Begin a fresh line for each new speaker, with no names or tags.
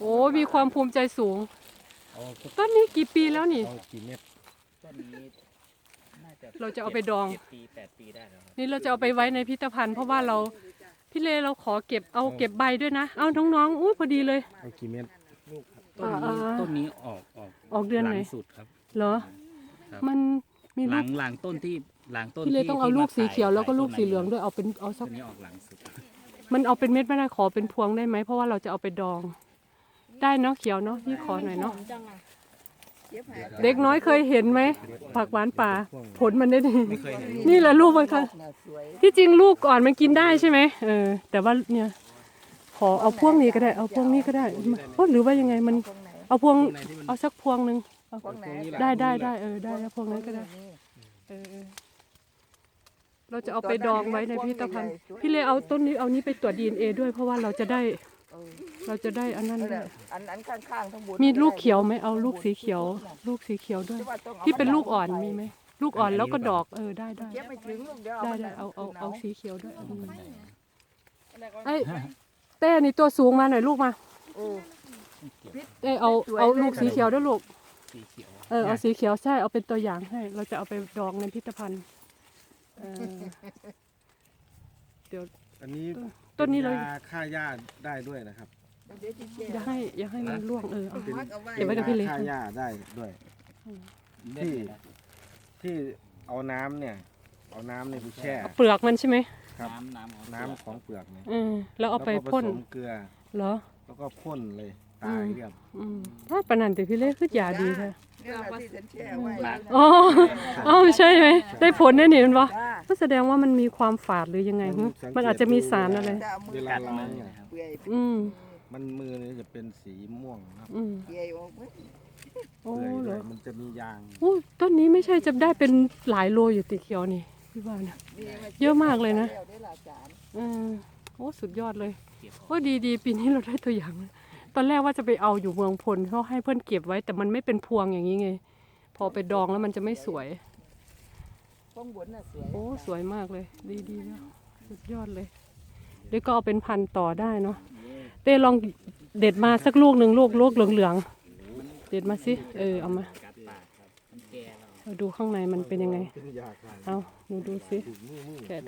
โอ้มีความภูมิใจสูง
เอาสัก
ต้นนี้กี่ปีแล้วนี่
เอากี่เม็ด
ต้นนี้น่าจะ
เราจะเอาไปดอง
7 ปี 8 ปีได้แล้วครับ
นี่เราจะเอาไปไว้ในพิพิธภัณฑ์เพราะว่าเราพี่เลเราขอเก็บเอาเก็บใบด้วยนะเอาน้องๆอุ้ยพอดีเลย
เอากี่เม็ด
ลูกครับ
อ่า
ต้นนี้ออก
ออกเดือนไหน
หลังสุดครับ
เหรอ
ครับ
มันมี
ห
ลู
ลั
ก
งหลังต้นที่หลังต้น
พี่เล
ที่
ต้องเอา
ที่
ลูก
ม
สีเขียว
ถ่า
แล้วก็ลูก
ถ่า
สีเหลือง
ต้น
ด้วยเอาเป็นเอาสั
ต้
ก
นนี้ออกหลังสุด
มันเอาเป็นเม็ดไม่ได้ขอเป็นพวงได้ไหมเพราะว่าเราจะเอาไปดอง ได้เนาะเขียวเนาะนี่ขอหน่อยเนาะเด็กน้อยเคยเห็นไหมผักหวานป่าผลมันได้ดี
ไม่เคยเห็น
นี่แหละลูกมันค่ะที่จริงลูกก่อนมันกินได้ใช่ไหมแต่ว่าเนี่ยขอเอาพวงนี้ก็ได้เอาพวงนี้ก็ได้โอ้หรือว่ายังไงมันเอาพวงเอาสักพวงหนึ่งเอาได้ได้ได้ได้แล้วพวงนั้นก็ได้เราจะเอาไปดองไว้ในพิพิธภัณฑ์พี่เลเอาต้นนี้เอานี้ไปตรวจ DNA ด้วยเพราะว่าเราจะได้อันนั้นด้วย
อันข้างๆทั้งบน
มีลูกเขียวไหมเอาลูกสีเขียว ลูกสีเขียวด้วย ที่เป็นลูกอ่อนมีไหมลูกอ่อนแล้วก็ดอกได้
เก็บไม่ถึงลูกเดียว
ได้เอาสีเขียวด้วยไอ้เต้นี่ตัวสูงมาหน่อยลูกมาเต้เอาลูกสีเขียวด้วยลูก
สีเขียว
เอาสีเขียวใช่เอาเป็นตัวอย่างให้ เราจะเอาไปดองในพิพิธภัณฑ์เดี๋ยว
อันนี้
ต้นนี้เลย
ป็ยาฆ่าหญ้าได้ด้วยนะครับ
อย่าให้มันร่วงเอา
เป็น
เก็บไว้กับพี่เล็ก
ฆ่าหญ้าได้ด้วย ที่เอาน้ำเนี่ยเอาน้ำเนี่ยไปแช่
เปลือกมันใช่ไหม
ครับ
น้ำของ
น้ำของเปลือกเนี่ย
แล้วเอาไป
แล้วก็
พ่น
ผสมเกลือ
เหรอ
แล้วก็พ่นเลยตายเรียบ
ถ้าปานนันแต่พี่เล็กคือยาดีแท้
นี่แหละที่ฉันแช่ไว้
อ๋อใช่ไหมได้ผลแน่นี่มันวะ
จ้า
ก็แสดงว่ามันมีความฝาดหรือยังไงฮึมันอาจจะมีสารอะไร
จะเอามื
เว
อ
ลา
กัด
ล้า
มื
ง
อ
เนี่ย
นะครับ
เปื่อย
อืม
มันมือเนี่ยจะเป็นสีม่วงครับ
เปื่อยออกไหม
โอ้
เปื่อย
เห
เล
รอย
มันจะมียาง
โอ้ต้นนี้ไม่ใช่จะได้เป็นหลายโลอยู่ติเขียวนี่พี่ว่านะ เยอะมากเลยนะ
ได้หลายจาน
โอ้สุดยอดเลยโอ้ดีปีนี้เราได้ตัวอย่างตอนแรกว่าจะไปเอาอยู่เมืองพลเขาให้เพื่อนเก็บไว้ แต่มันไม่เป็นพวงอย่างนี้ไง พอไปดองแล้วมันจะไม่สวย
ข้างบนน่ะสวย
โอ้สวยมากเลย ดีแล้วสุดยอดเลยเดี๋ยวก็เอาเป็นพันธุ์ต่อได้เนาะเต้ลองเด็ดมาสักลูกหนึ่งลูกเหลืองๆเด็ดมาสิเอามา
กัดปากครับมันแก่แล้ว
เราดูข้างในมันเป็นยังไง
เป็นยาฆ่า
เอาหนูดูสิ
ถูกมือ
แกะ